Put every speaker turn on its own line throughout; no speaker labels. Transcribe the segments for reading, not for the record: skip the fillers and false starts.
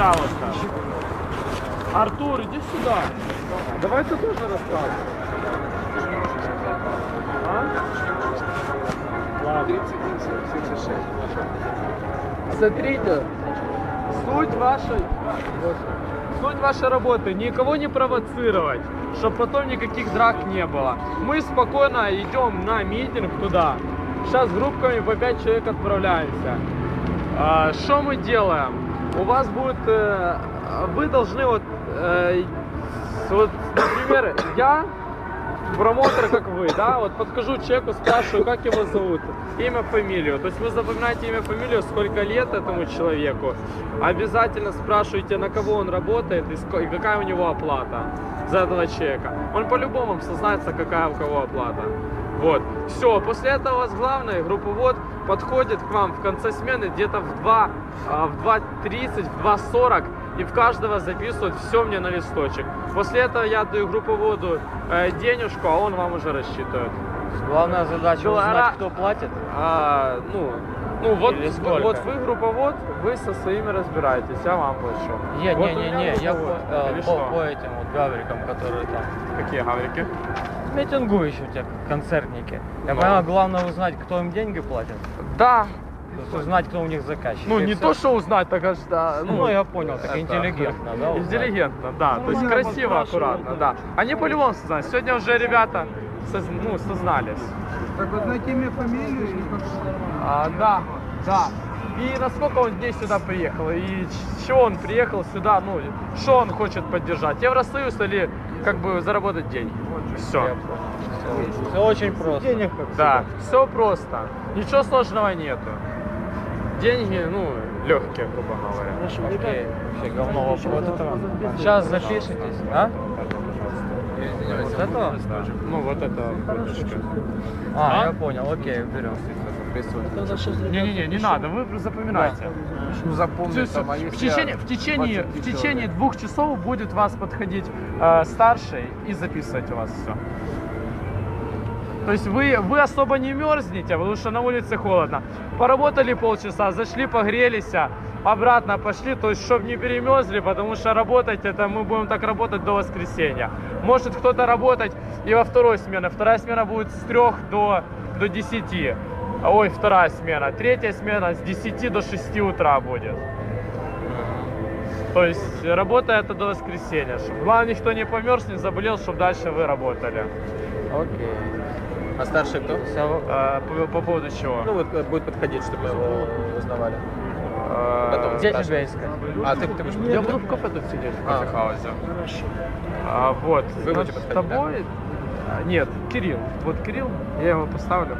пожалуйста. Артур, иди сюда. Давай ты тоже рассказывай. А? Ладно.
76.
Смотрите, суть вашей работы никого не провоцировать, чтобы потом никаких драк не было. Мы спокойно идем на митинг туда. Сейчас группками по 5 человек отправляемся. Что мы делаем? У вас будет, вы должны вот, например, я промоутер, как вы, да, вот подхожу к человеку, спрашиваю, как его зовут, имя, фамилию. То есть вы запоминаете имя, фамилию, сколько лет этому человеку. Обязательно спрашиваете, на кого он работает и какая у него оплата за этого человека. Он по-любому сознается, какая у кого оплата. Вот. Все, после этого у вас главное, групповод подходит к вам в конце смены где-то в 2:30, в 2:40 и в каждого записывает все мне на листочек. После этого я даю групповоду денежку, а он вам уже рассчитывает.
Главная задача узнать, кто платит.
Вот вы групповод, вы со своими разбираетесь, я вам больше.
Я
Вот
по этим вот гаврикам, которые там.
Какие гаврики?
Митингующие те концертники. Я понимаю, главное узнать, кто им деньги платит.
Да.
То есть узнать, кто у них заказчик.
Ну,
и
не
все.
то, что узнать, так аж, да.
Ну, я понял, так интеллигентно, да? узнать.
Интеллигентно, да. То есть красиво, аккуратно, да. Они по-любому сознались. Сегодня уже ребята сознались.
Так вы знаете имя, фамилию или как?
Да. И насколько он дней сюда приехал, и чего он приехал сюда, ну, что он хочет поддержать, Евросоюз или как бы заработать деньги. Все.
Все очень просто.
Денег как
Да, все просто. Ничего сложного нету. Деньги, легкие, грубо говоря.
Окей, вообще говно вопрос. Сейчас запишитесь, а? Вот этого?
Вот это.
Я понял, окей, берем.
Не надо, вы запоминайте.
Ну запомни там, а
В течение 2 часов будет вас подходить старший и записывать у вас все. То есть вы особо не мерзнете, потому что на улице холодно. Поработали полчаса, зашли, погрелись, обратно пошли, то есть чтобы не перемерзли, потому что работать это мы будем так работать до воскресенья. Может кто-то работать и во второй смене. Вторая смена будет с 3 до 10. Ой, вторая смена. Третья смена с 10 до 6 утра будет. То есть работа это до воскресенья. Чтобы, главное, никто не померз, не заболел, чтобы дальше вы работали.
Окей.
А старший кто?
По поводу чего?
Ну вот будет подходить, чтобы его узнавали. Потом
Где
спрашивать.
тебя искать?
А ты будешь
Я буду в кафе тут сидеть, в кофехаузе. Вот.
Вы будете
С
подходить,
тобой? Нет, Кирилл. Вот Кирилл, я его поставлю.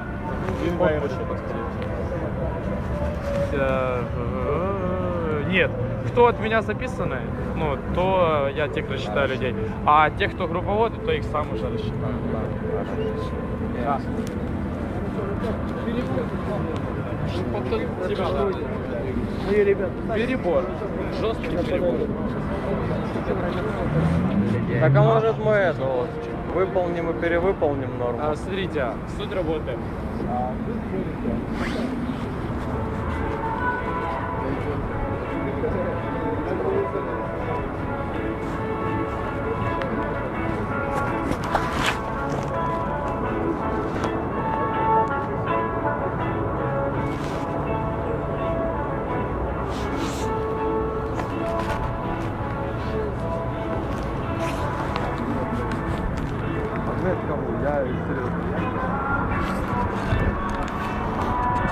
Нет, кто от меня записаны, то я тех рассчитаю людей. А тех, кто групповоды, то их сам уже рассчитаю. Да. Перебор. Жесткий перебор.
Так а может мы это вот выполним и перевыполним норму?
Смотрите, суть работы.
Кому? Я серьезно.